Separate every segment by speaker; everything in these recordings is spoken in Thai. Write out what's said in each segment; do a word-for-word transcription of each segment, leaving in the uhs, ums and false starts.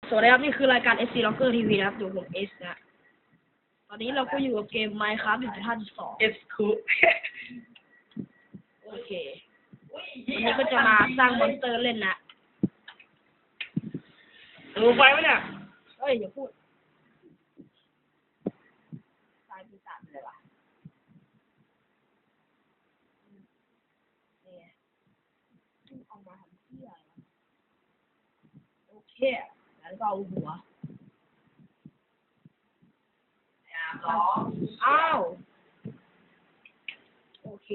Speaker 1: สวัสดีครับนี่คือรายการ เอส ซี Locker ที วี นะครับอยู่ผม S นะ ตอนนี้เราก็อยู่กับเกม Minecraft หนึ่งจุดห้าจุดสอง
Speaker 2: S คู
Speaker 1: โอเควันนี้ก็จะมาสร้างมอนสเตอร์เล่นนะ
Speaker 2: รู้ไฟไหมเนี่ย
Speaker 1: เฮ้ยอย่าพูดตายปีศาจเลยว่ะนี่ออกมาทำเที่ยโอเคแล้วก็เอาหัวอ้าวโอเค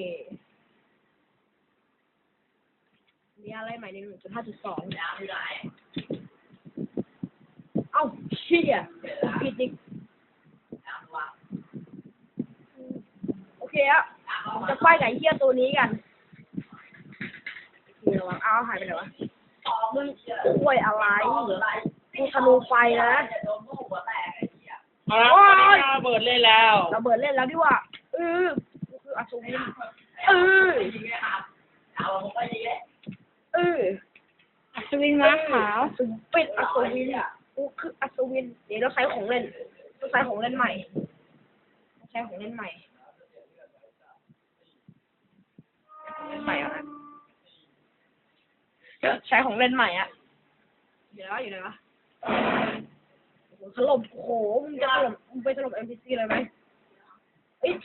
Speaker 1: มีอะไรใหม่ใน หนึ่งจุดห้าจุดสอง เอ้าเชี่ยผิดอีกโอเคอะผมจะไฟไก่เหี้ยตัวนี้กันโอเคระวังอ้าวหายไปไหนวะมึงป่วยอะไรกูธนูไฟนะ
Speaker 2: เอาละระเบิดเล่นแล้ว
Speaker 1: ระเบิดเล่นแล้วดิว่าเออกูคืออัศวินเออเอออัศวินม้าขาวสุดเป็ดอัศวินกูคืออัศวินเดี๋ยวเราใช้ของเล่นเราใช้ของเล่นใหม่ใช้ของเล่นใหม่ของเล่นใหม่อะใช้ของเล่นใหม่อะเดี๋ยวอยู่ไหนวะถล่มโอ้โหมึงจะถล่มมึงไปถล่ม เอ็ม พี ซี เลยไหมเอ้ย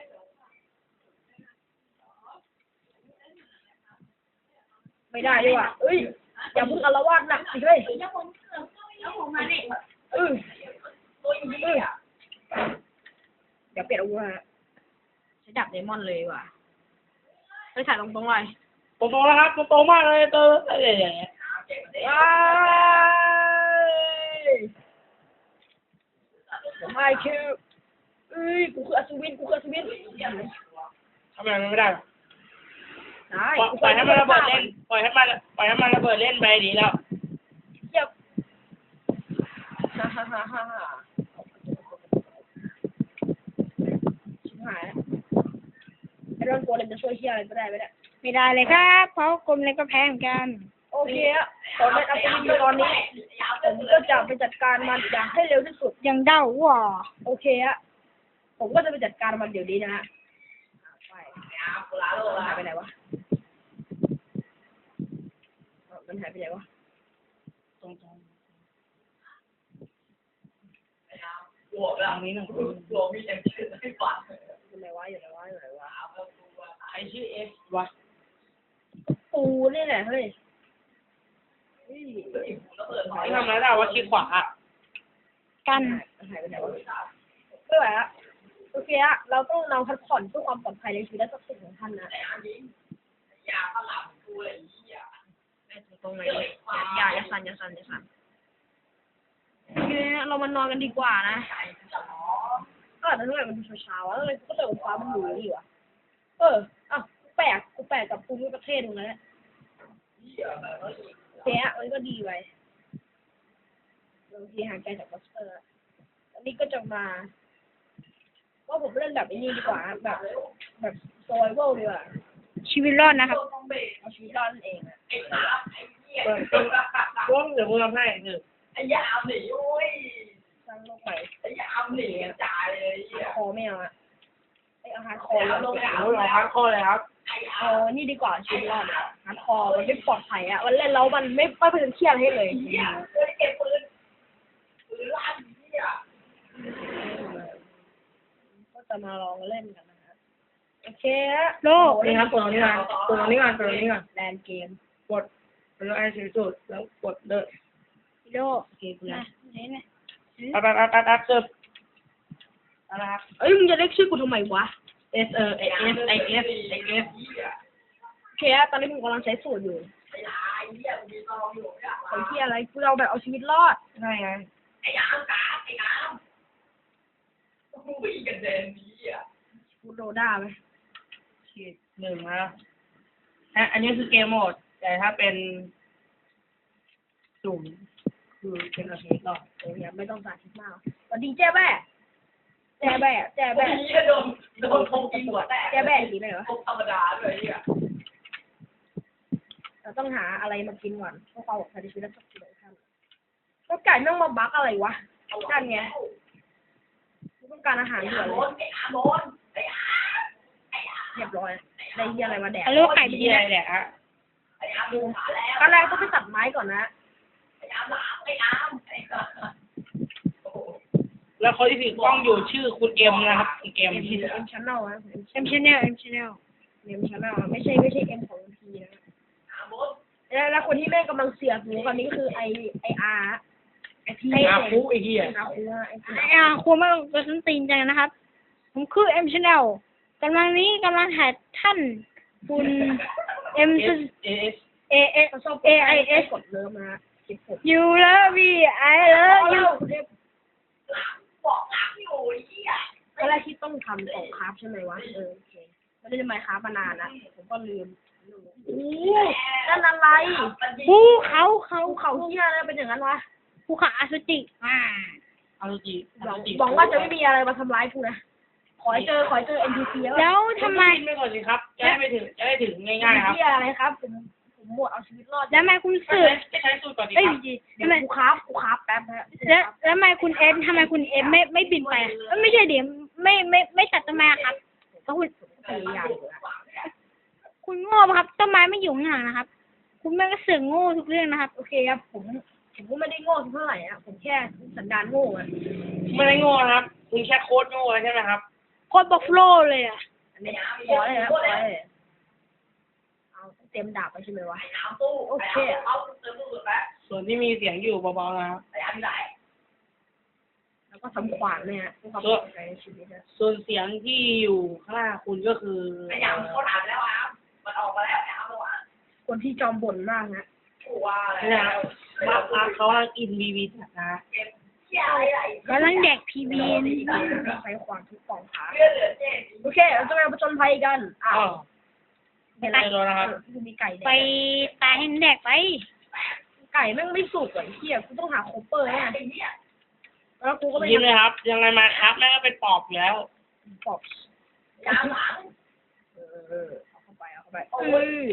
Speaker 1: ไม่ได้ดีกว่าเอ้ยอย่าพึ่งอารวาสหนักสิเฮ้ยเออเออเดี๋ยวเปลี่ยนอาวุธฮะใช้ดาบเดมอนเลยว่ะไปถ่ายตรงๆเลย
Speaker 2: ตรงๆแล้วครับตรงๆมากเลยเตอร์อะไรอย่างเงี้ย
Speaker 1: ว้ายผมไม่คือเอ้ยกูคืออัศวินกูคืออัศวิน
Speaker 2: ทำไมมันไม่ได้
Speaker 1: ได้
Speaker 2: ปล่อยให้มันระเบิดเล่นปล่อยให้มันปล่อยให้มันระเบิดเล่นไปดีแล้ว
Speaker 1: เยี่ยมฮ่าฮ่าฮ่าฮ่าฮ่าชิบหายไอ้โดนโกเลมจะช่วยเชี่ยอะไรก็ได้ไหมเนี่ย
Speaker 3: ไม่ได้เลยครับเพราะกลมเล็กก็แพ้เหมือนกัน
Speaker 1: โอเคอะตอนเป็นอัศวินอยู่ตอนนี้ผมก็จะไปจัดการมันอย่างให้เร็วที่สุด
Speaker 3: ยังเด้าว่ะ
Speaker 1: โอเคอะผมก็จะไปจัดการมันเดี๋ยวนี้นะฮะไปหายไปไหนวะมันหายไปไหนวะ
Speaker 2: ตรงๆหัวแบบนี้หนึ่งหัวมีแต่ชื่อไม่ฝัน
Speaker 1: อยู่ไหนวะอยู่ไหนวะอยู่ไหนวะ
Speaker 2: ใครชื่อเอสวะ
Speaker 1: ปูนี่แหละเฮ้ย
Speaker 2: ไม่ทำอะไรได้ว่าคลิกขวา
Speaker 3: กัน
Speaker 1: หายไปไหนวะไม่ไหวละโอเคอะเราต้องนำพักผ่อนเพื่อความปลอดภัยในชีวิตและทรัพย์สินของท่านนะ
Speaker 2: อย่าตลับกูเลยอย่า
Speaker 1: ตรงไหนอย่าอย่าสั่นอย่าสั่นอย่าสั่นโอเคเรามานอนกันดีกว่านะก็แต่ทำไมมันดูเช้าๆวะเลยก็เติมฟ้ามันอยู่นี่วะเอออ่ะแปลกกูแปลกกับภูมิประเทศตรงนั้นแหละเสียมันก็ดีไปบางทีห่างไกลจากมอนสเตอร์อันนี้ก็จะมาว่าผมเล่นแบบนี้ดีกว่าแบบแบบโซไวเวลดีกว่า
Speaker 3: ชีวิตรอดนะครับ
Speaker 1: เอาชีวิตรอดนั่นเองอะ
Speaker 2: เปิดตัวร่วมเดี๋ยวมึงทำให้หนึ่ง
Speaker 4: ไอ้ยามหนีโอ้ย
Speaker 1: สร้างโลกใหม่
Speaker 4: ไอ้ยามหนีจ่ายเลย
Speaker 1: คอไม่เอาอะไอเอาฮาร์ดคอแล้ว
Speaker 2: ลงเอาลงฮาร์ดคอเลยครับ
Speaker 1: เออนี่ดีกว่าชีวิตรอดฮาร์ดคอมันไม่ปลอดภัยอะมันเล่นแล้วมันไม่ไม่เป็นเครียดให้เลย
Speaker 4: เนี่ยเคยเก็บปืนปืนลั่นเนี่ย
Speaker 1: ก็จะมาลองเล่นกันนะฮะโอเค
Speaker 3: โลก
Speaker 2: นี่ครับกดตรงนี้ก่อนกดตรงนี้ก่อนกดตรงนี้ก่อน
Speaker 1: แลนเกม
Speaker 2: กดแล้วไอ้สีสุดแล้วกดเด้อ
Speaker 3: โลก
Speaker 1: โอเคกูแล้ว
Speaker 3: นี่นะ
Speaker 2: อัดอัดอัดอัดอัดเสิร์ฟอะไรครับ
Speaker 1: เอ้ยมึงจะเรียกชื่อกูทำไมวะ
Speaker 2: S เออ S S I S I S
Speaker 1: โอเคตอนนี้มึงกำลังใช้สูตรอยู่
Speaker 4: ไอ้ยาไอ้เนี่ยมีตองอยู่เนี่ย
Speaker 1: ไอ้ที่อะไรกูเอาแบบเอาชีวิตรอด
Speaker 2: ใช่ไง
Speaker 4: ไอ้ยามกาไอ้ยามกูวิ่งกันเดินนี้อ่ะ
Speaker 1: กูโดด้าไหม
Speaker 2: ขีดหนึ่งนะฮะอันนี้คือเกมโหมดแต่ถ้าเป็นสุ่มคือเป็นอาชีพต่อ
Speaker 1: โอ้ยไม่ต้องสาธิตมากสวัสดีแจ้แบ่แจ้แบ่แจ้แบ่
Speaker 4: โดนโดนทงกินหัวแตก
Speaker 1: แจ้แบ่ดีไหมเหรอ
Speaker 4: ธรรมดาด้วยเนี่ย
Speaker 1: เราต้องหาอะไรมากินก่อนเพื่อความปลอดภัยในชีวิตและทรัพย์สินของท่านก็ไก่ก่แม่งมาบักอะไรวะนั่นไงกูต้องการอาหารด่วนเลยเรียบร้อยได้เหี้ยอะไรมาแดก
Speaker 3: เอาเรียกว่าไก่ไป
Speaker 2: เหี้
Speaker 3: ดี
Speaker 2: ย
Speaker 3: นะ
Speaker 2: เนี่ยฮะ
Speaker 1: ตอนแรกต้องไปตัดไม้ก่อนนะ
Speaker 2: แล้วคนที่ถือกล้องอยู่ชื่อคุณเอ็มนะครับคุณเอ็ม
Speaker 1: เอ็ม
Speaker 2: ที่
Speaker 1: เอ็มชั้นเน่าอะเอ็ม
Speaker 3: เอ็มชแนลเอ็มชแนล
Speaker 1: เอ็มชั้นเน่าไม่ใช่ไม่ใช่เอ็มของพีนะแล้วแล้วคนที่แม่งกำลังเสียบอยู่ตอนนี้คือไอไออาร์ไอพี
Speaker 2: อาคุไอ้เหี้ย
Speaker 1: อาคูไอพี
Speaker 3: อ่าครัวไม่ต้องกระสันตีนจังนะครับ ผมคือเอ็มชแนลกำลังนี้กำลังถ่ายท่านคุณเอ็ม
Speaker 2: เอสเอส
Speaker 3: เอเอ
Speaker 1: ชอบ
Speaker 3: เอไอเอส
Speaker 1: กดเลิฟนะคิดผม
Speaker 3: ยูเลิฟวีไอเลิฟยู
Speaker 1: ตอนแรกที่ต้องทำของคราฟใช่ไหมวะเออโอเคไม่ได้มาคราฟมานานนะผมก็ลืมโอ้นั่นอะไร
Speaker 3: ภูเขาเขา
Speaker 1: ภูเขาเหี้ยอะไรเป็นอย่างนั้นวะ
Speaker 3: ภูเขาอสุจิอ่า
Speaker 2: อารุจิ
Speaker 1: หวังหวังว่าจะไม่มีอะไรมาทำร้ายกูนะขอให้เจอขอให้เจอ เอ็น พี ซี แล้ว
Speaker 3: แล้วทำไม
Speaker 2: ขึ้นไปก่อนสิครับจะได้ไปถึงจะได้ถึงง่ายๆครับ
Speaker 1: เหี้ยอะไรครับผมผมหมดเอาชีวิตรอด
Speaker 3: แล้วทำไมคุณ
Speaker 2: ก็
Speaker 3: สื่อ
Speaker 2: ใช้ใช้สูตรก่อนดี
Speaker 3: เอ้ย
Speaker 2: ครับ
Speaker 1: เดี๋ยว
Speaker 3: ทำไม
Speaker 1: กูคราฟกูคราฟแป๊บนะ
Speaker 3: แล้วแล้วทำไมคุณเอ็มทำไมคุณเอ็มไม่ไม่บินไปอะเอ้ยไม่ใช่เดี๋ยวไม่ไม่ไม่ตัดต้นไม้อะครับก็คุณ
Speaker 1: พยายามอยู่นะ
Speaker 3: คุณโง่ปะครับต้นไม้ไม่อยู่ข้างหลังนะครับ คุณแม่งก็เสือกโง่ทุกเรื่องนะครับ
Speaker 1: โอเคครับผมผมก็ไม่ได้โง่เท่าไหร่อะผมแค่สันดานโง่อะ
Speaker 2: ไม่ได้โง่นะครับคุณแค่โค้ดโง่ใช่ไหมครับ
Speaker 3: โคตรบัฟโฟลเลยอ่ะ
Speaker 1: อันนี้ขอเลยนะขอเลยเอาเต็มดาบไปใช่ไหมวะโอเค
Speaker 2: ส่วนที่มีเสียงอยู่เบาๆนะครับ
Speaker 1: แล้วก็ทำขวานเนี่ยเพื่อความปลอดภัยในชีวิตนะ
Speaker 2: ส่วนเสียงที่อยู่ข้างหน้าคุณก็คือ
Speaker 1: คนที่จอมบ่นมากนะ
Speaker 2: นี่นะครับมามาเขากำลังอินบีบีนะฮะ
Speaker 3: กำลังแดกพีบี
Speaker 1: ใช้ความทุกข์ของขาโอเคเราจะไปผจญภัยกันอ้า
Speaker 2: อ้าว ว
Speaker 1: เห็นไหม
Speaker 2: ไม่รู้นะครับ
Speaker 1: กูมีไก่แด
Speaker 3: ไป
Speaker 1: ก
Speaker 3: ตายให้แดกไป
Speaker 1: ไก่แม่งไม่สุกอ่ะเฮียกูต้องหาโคเปอร์เนี่ยแล้วกูก็ไป
Speaker 2: ยิ้มเลยครับ ยังไงมาครับแม่งก็เป็นปอบอยู่แล้ว
Speaker 1: ปอบเออเอาเข้าไปเอาเข้าไปเอ้ย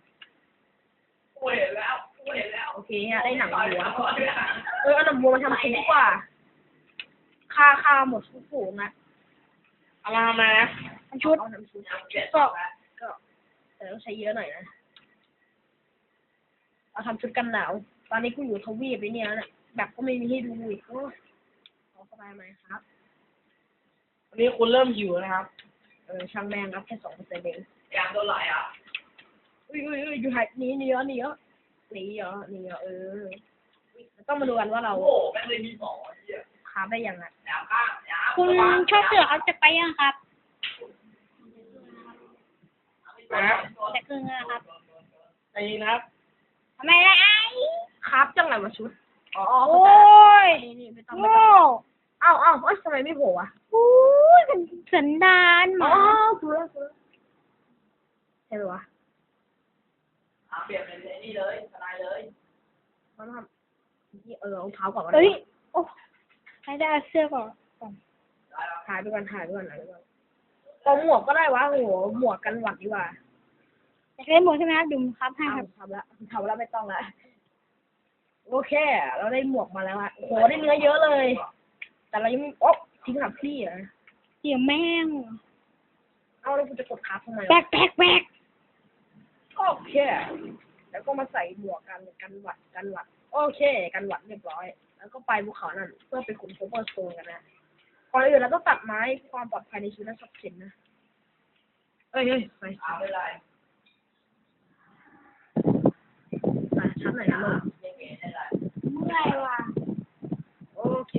Speaker 1: โอเคฮะได้หนังวัวเออเอาหนังวัวมาทำซุปดีกว่าค่าค่าหมดทุกฝูงนะ
Speaker 2: เอามาทำไมนะ
Speaker 1: ชุดเอาน้ำซุปก็ก็แต่ต้องใช้เยอะหน่อยนะเอาทำชุดกันหนาวตอนนี้กูอยู่ทวีปไปเนี่ยนะแบบก็ไม่มีให้ดูอีกโอ้เอาเข้าไปไหมครับ
Speaker 2: วันนี้คุณเริ่มหิวนะครับ
Speaker 1: เออช่างแม่งครับแค่สองเปอร์เซ็นต์เองอุ้ยอุ้ยอุ้ยอยู่หายหนีหนีเหรอหนีเหรอหนีเหรอหนีเหรอเออต้องมาดูกันว่าเราค้าได้ยังไง
Speaker 3: คุณชอบเสือเขาจะไปยังครับ
Speaker 2: นะครับ
Speaker 3: แต่คือเงินครับ
Speaker 2: ใจเย็นนะครับ
Speaker 3: ทำไมล่ะไอ้
Speaker 1: คราฟจังไรวะชุดอ๋อ
Speaker 3: โอ้ย
Speaker 1: นี่นี่ไม่ต้องไม่
Speaker 3: โง่
Speaker 1: ต้องอ้าวอ้าวเอ้ยทำไมไม่โผล่อะ
Speaker 3: โอ้ยเป็นสันดานห
Speaker 1: อ๋อ
Speaker 3: มา
Speaker 1: ถูกแล้วถูกแล้วใช่ไหมวะเขาทำนี่เออเอาเท้าก่อนก็ได้
Speaker 3: เฮ้ยโอ้ให้ได้เอาเสื้อก่อนก่อน
Speaker 1: ถ่ายไปก่อนถ่ายไปก่อนถ่ายไปก่อนเอาหมวกก็ได้วะโอ้โหหมวกกันหวัดดีกว่า
Speaker 3: อยากเล่นหมวกใช่ไหมครับดุมครับให้
Speaker 1: อ้าว
Speaker 3: ครับ
Speaker 1: ทำละทำแล้วไม่ต้องละโอเค เราได้หมวกมาแล้วอะโอ้โหได้เนื้อเยอะเลย แต่เรายังไม่โอ๊ะทิ้งหับพี่เหรอ
Speaker 3: เดี๋ยวแม่ง
Speaker 1: เอาแล้วกูจะกดคราฟทำไม
Speaker 3: แบ
Speaker 1: วะ
Speaker 3: กแบกแบก
Speaker 1: โอเค แล้วก็มาใส่หมวกกันกันหวัดกันหวัด โอเค กันหวัดเรียบร้อย แล้วก็ไปภูเขานั่นเพื่อไปขุดโคเปอร์โซนกันนะก่อนอื่นเราต้องตัดไม้เพื่อความปลอดภัยในชีวิตและทรัพย์สินนะ เอ้ยเฮ้ยไปไปชั้นไหนนะลูก
Speaker 3: เมื่อยว่ะ
Speaker 1: โอเค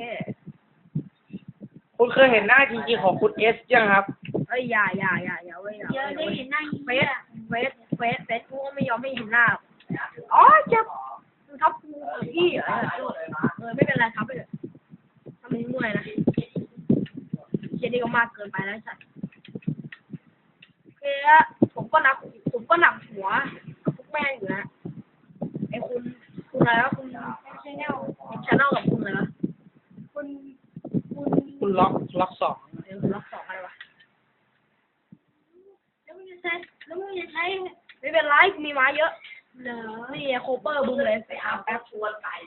Speaker 2: คุณเคยเห็นหน้าจริงๆของคุณเอสยังครับ
Speaker 1: เอ้ยอย่าอย่าอย่าอย่าเว้ยอย่า
Speaker 3: เดี๋ยวได้
Speaker 1: เว้ย
Speaker 3: เห็นหน้า
Speaker 1: เฟสเฟสเฟสเฟสกูก็ไม่ยอมไม่เห็นหน้าหรอกอ๋อเจ็บมึงทับกูพี่เหรอเออไม่เป็นไรครับไปเถอะทำมึงเมื่อยนะเชียนี่ก็มากเกินไปแล้วสัตว์โอเคอะผมก็หนักผมก็หนักหัวกับพวกแม่งอยู่นะไอ้คุณคุณอะไรวะคุณ
Speaker 3: ชาแนล
Speaker 1: ชาแนลกับคุณอะไรวะ
Speaker 3: คุณคุณ
Speaker 2: คุณล็อกล็อกสอง
Speaker 1: เออคุณล็อกสองอะไรวะ
Speaker 3: แล้วมึงจะใช้แล้วมึงจะใช้
Speaker 1: ไม่เป็นไรกูมีไม้เยอะ
Speaker 3: เหรอ
Speaker 1: นี่โคเปอร์บึ้มเลยไปเอาแป๊บ
Speaker 4: ชวนไก่